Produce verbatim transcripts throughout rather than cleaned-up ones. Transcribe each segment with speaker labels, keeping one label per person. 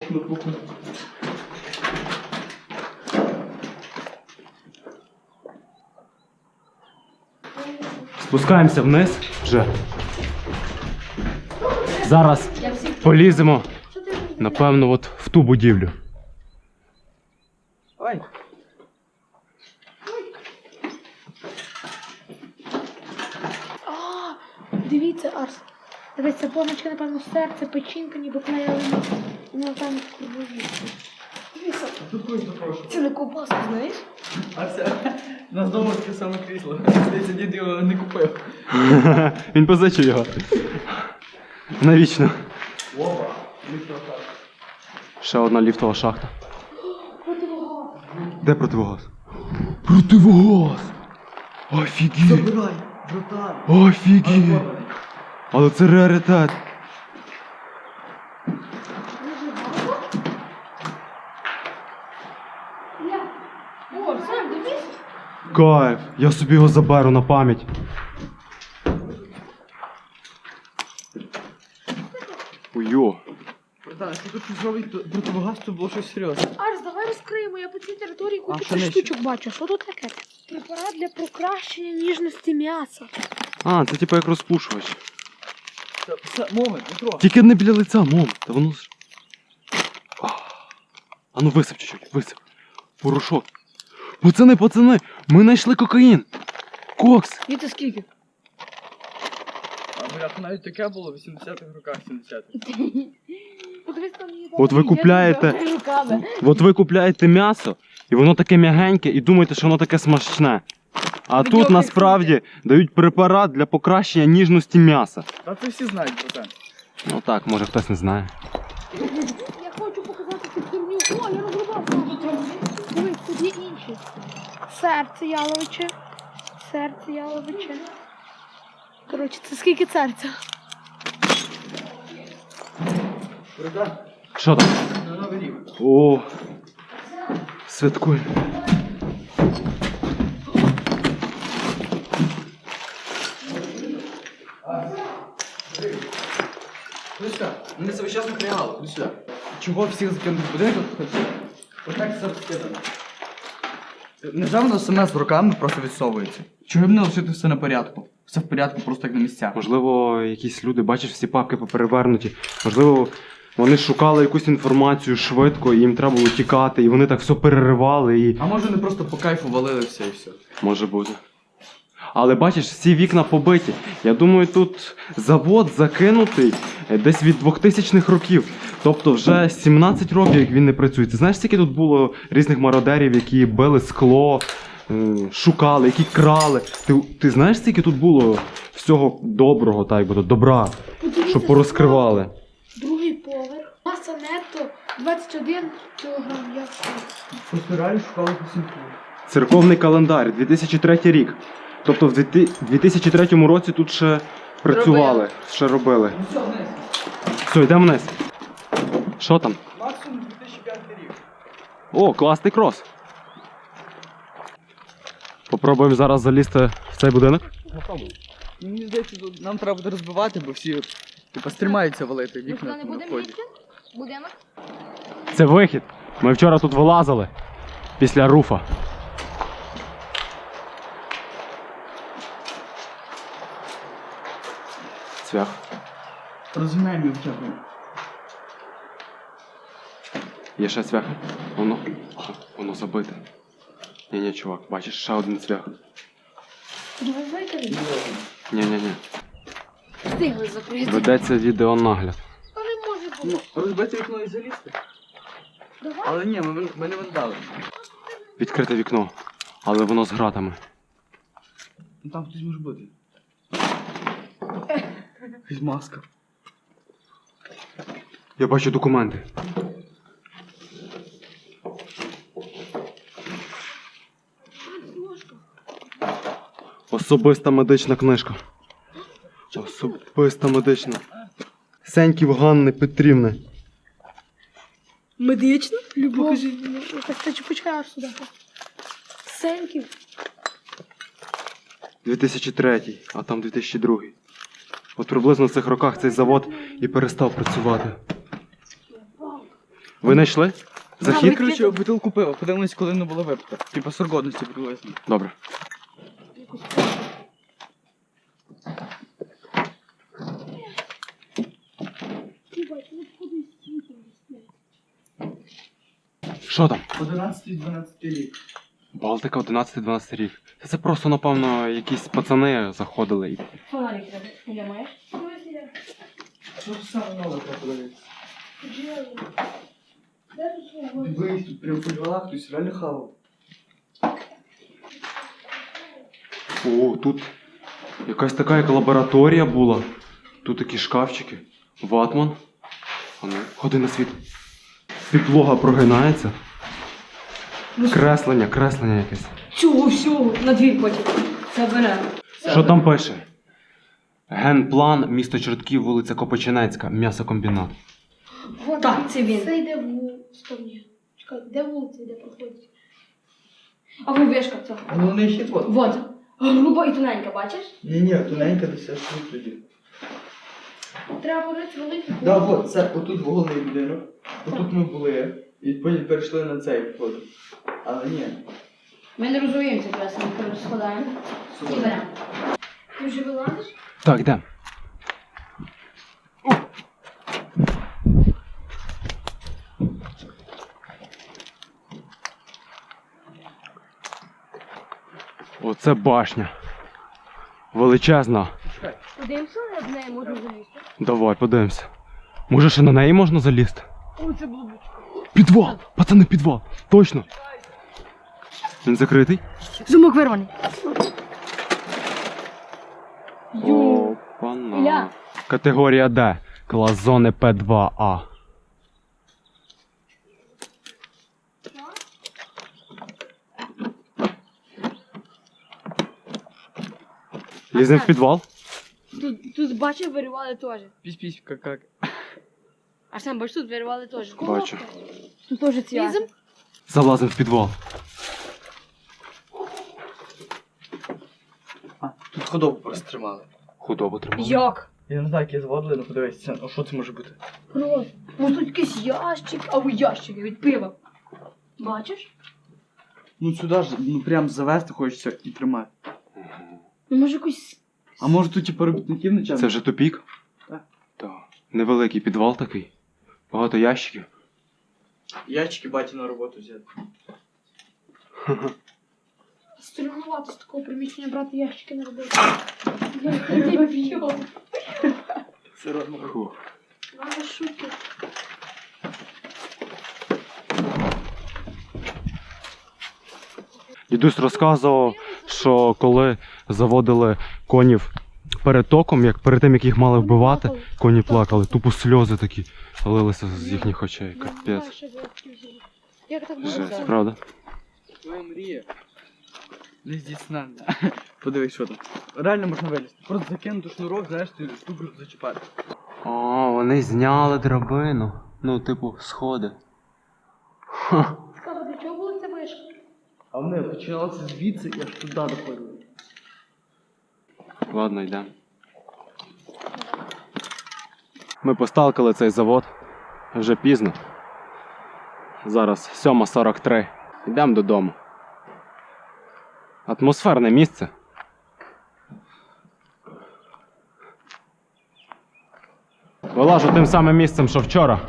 Speaker 1: Спускаємося вниз вже. Зараз поліземо, напевно, от в ту будівлю.
Speaker 2: Ой.
Speaker 3: А, дивіться, Арс. Дивіться, позначка, напевно, серце, печінка, ніби клеїли. Ну, там курбові. Дивіться. Це не ковбаска, знаєш?
Speaker 2: А це у нас вдома таке саме крісло. Здається, дід його не купив.
Speaker 1: Він позичив його. Навічно.
Speaker 2: Опа, ліфтова шахта.
Speaker 1: Ще одна ліфтова шахта.
Speaker 3: Противогаз.
Speaker 1: Де противогаз? Противогаз! Офігеть!
Speaker 2: Забирай, братан.
Speaker 1: Офігеть! Але це раритет.
Speaker 3: О, Сам, дивись.
Speaker 1: Кайф! Я собі його заберу на пам'ять. Уйо.
Speaker 2: Братан, якщо тут щось робить противогаз, то було щось серйозне.
Speaker 3: Арс, давай розкриємо, я по цій території
Speaker 2: А,
Speaker 3: кучу
Speaker 2: що
Speaker 3: цих
Speaker 2: нижче?
Speaker 3: штучок бачу. Що тут таке? Препарат для покращення ніжності м'яса.
Speaker 1: А, це типу як розпушувач.
Speaker 2: Це, це момент, Дмитро.
Speaker 1: Тільки не біля лиця, мом. Та воно ж. А, а ну висип чуть-чуть, висип. Порошок. Пацани, пацани, ми знайшли кокаїн. Кокс.
Speaker 3: І це скільки?
Speaker 2: А бляха, навіть таке було в вісімдесятих роках, сімдесятих.
Speaker 3: Подивись, там є.
Speaker 1: От ви купляєте, от ви купляєте м'ясо, і воно таке м'ягеньке, і думаєте, що воно таке смачне. А тут насправді дають препарат для покращення ніжності м'яса.
Speaker 2: Та це всі знають, братан.
Speaker 1: Ну так, може хтось не знає.
Speaker 3: Я хочу показати цю херню. О, я розрубав. Дивись, тут є інші. Серце яловиче. Серце яловиче. Коротше, це скільки серця?
Speaker 2: Братан,
Speaker 1: Що там?
Speaker 2: на новий рік.
Speaker 1: О, святкуй.
Speaker 2: Ходи сюди. Мене це весь час напрягало. Ходи сюди. Чого всіх закинути в будинок? Ходи сюди. Отак все розкидано. Невже воно саме з руками просто відсовується? Чого б не лишити все на порядку? Все в порядку, просто як на місцях.
Speaker 1: Можливо, якісь люди, бачиш, всі папки поперевернуті. Можливо, вони шукали якусь інформацію швидко, і їм треба було тікати, і вони так все переривали і.
Speaker 2: А може вони просто по кайфу валили все і все.
Speaker 1: Може бути. Але бачиш, всі вікна побиті. Я думаю, тут завод закинутий е, десь від двохтисячних років. Тобто вже сімнадцять років, як він не працює. Ти знаєш, скільки тут було різних мародерів, які били скло, е, шукали, які крали. Ти, ти знаєш, скільки тут було всього доброго, так би то, добра, щоб порозкривали?
Speaker 3: Другий поверх. Маса нетто двадцять один кілограм. Я
Speaker 2: Просто реально шукали посінку.
Speaker 1: Церковний календар, дві тисячі третій рік. Тобто в дві тисячі третьому році тут ще працювали, ще робили.
Speaker 2: Ну все, вниз.
Speaker 1: Все, йдемо вниз. Що там?
Speaker 2: Максимум дві тисячі п'ятий рік.
Speaker 1: О, класний крос. Попробуємо зараз залізти в цей будинок.
Speaker 2: Мені здається, тут нам треба буде розбивати, бо всі типа стрімаються валити вікна
Speaker 3: не
Speaker 2: на
Speaker 3: будемо
Speaker 2: вході.
Speaker 3: йти? Будинок?
Speaker 1: Це вихід. Ми вчора тут вилазили після руфа. Цвях.
Speaker 2: Розгинаємо його хоча б.
Speaker 1: Є ще цвях. Воно. Воно забите. Ні-ні, чувак, бачиш, ще один цвях.
Speaker 3: Давай викинемо.
Speaker 1: Ні-ні-ні.
Speaker 3: Встигли закрити.
Speaker 1: Ведеться відеонагляд.
Speaker 3: Але може бути.
Speaker 2: Ну, розбити вікно і залізти.
Speaker 3: Давай.
Speaker 2: Але ні, ми, ми не вандали.
Speaker 1: Відкрите вікно, але воно з гратами.
Speaker 2: Ну там хтось може бути. Якась маска.
Speaker 1: Я бачу документи. Особиста медична книжка. Особиста медична. Сеньків Ганни Петрівни.
Speaker 3: Медично? Любов. Покажи. Це чупочка аж сюди. Сеньків.
Speaker 1: дві тисячі третій, а там дві тисячі другий. От приблизно в цих роках цей завод і перестав працювати. Ви знайшли? Захід?
Speaker 2: Коротше, бутилку пива, подивимось, коли воно було випито. Типа срок годності приблизно.
Speaker 1: Добре. Що там?
Speaker 2: одинадцятий-дванадцятий рік.
Speaker 1: Балтика одинадцятий-дванадцятий рік. Та це просто, напевно, якісь пацани заходили і.
Speaker 4: Фонарик не маєш?
Speaker 2: Що ж саме нове треба подивитися?
Speaker 3: Де тут свого?
Speaker 2: Дивись, тут прям по дворах хтось реально хавав.
Speaker 1: О, тут якась така як лабораторія була. Тут такі шкафчики. Ватман. А ну, ходи на світ. Підлога прогинається. Креслення, креслення якесь.
Speaker 4: Цього всього на двір потім. Це бере.
Speaker 1: Що там пише? Генплан, місто Чортків, вулиця Копичинецька, м'ясокомбінат.
Speaker 3: Вот,
Speaker 4: Так, це він.
Speaker 3: Це йде в стороні. Чекай, де вулиця, де проходить?
Speaker 4: А ви вишка цього.
Speaker 2: Головний хід от.
Speaker 4: Вот. Груба і тоненька, бачиш?
Speaker 2: Ні-ні, тоненька десь аж тут тоді.
Speaker 3: Треба говорити великий.
Speaker 2: Да, от, це отут головний будинок. Отут ми були. І потім перейшли на цей вход. Але ні.
Speaker 4: Ми не розуміємо це кресло, ми коротше складаємо і беремо.
Speaker 3: Ти вже вилазиш?
Speaker 1: Так, йдемо. Оце башня. Величезна.
Speaker 3: Подивимося, на неї можна залізти.
Speaker 1: Давай, подивимося. Може, ще на неї можна залізти?
Speaker 3: О, це було б.
Speaker 1: Підвал! Пацани, підвал! Точно! Він закритий?
Speaker 4: Зумок вирваний.
Speaker 1: Опана.
Speaker 4: Ілля.
Speaker 1: Категорія Д. Клас зони П два А. Лізем в підвал?
Speaker 4: Тут, тут бачив, виривали теж.
Speaker 2: Пісь-пісь, как-как.
Speaker 4: А сам бачиш, тут виривали теж.
Speaker 1: Бачу.
Speaker 4: Тут теж ці.
Speaker 3: Лізем?
Speaker 1: Залазим в підвал.
Speaker 2: А, тут ходову просто тримали.
Speaker 1: Худобу тримали.
Speaker 4: Як?
Speaker 2: Я не знаю, як я зводили, але подивись, це, а що це може бути?
Speaker 4: Просто. Може тут якийсь ящик, або ящики від пива. Бачиш?
Speaker 2: Ну сюди ж, ну прям завести хочеться і тримати.
Speaker 4: Ну може якийсь.
Speaker 2: А може тут типу робітників не
Speaker 1: Це вже тупік?
Speaker 2: Так.
Speaker 1: Так. Невеликий підвал такий. Багато ящиків.
Speaker 2: Ящики баті на роботу взяти.
Speaker 3: Стрімувати з такого приміщення брати ящики на роботу.
Speaker 2: Це родно.
Speaker 1: Фух.
Speaker 3: Надо шутки.
Speaker 1: Дідусь розказував, що коли заводили конів перед током, як перед тим, як їх мали вбивати, коні плакали, тупо сльози такі лилися з їхніх очей. Капець.
Speaker 3: Як так
Speaker 1: Жесть,
Speaker 3: було?
Speaker 1: правда?
Speaker 2: Твоя мрія. Не здійснена. Подивись, що там. Реально можна вилізти. Просто закинути шнурок, знаєш, ти штуку зачіпати.
Speaker 1: О, вони зняли драбину. Ну, типу, сходи. Ха.
Speaker 3: Цікаво, для чого була ця вишка?
Speaker 2: А вони починалися звідси і аж туди доходили.
Speaker 1: Ладно, йдемо. Ми посталкали цей завод. Вже пізно. Зараз сьома сорок три. Йдемо додому. Атмосферне місце. Вилажу тим самим місцем, що вчора.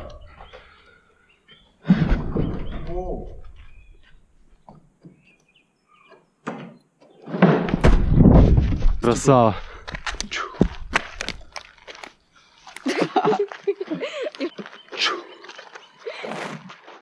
Speaker 1: Красава.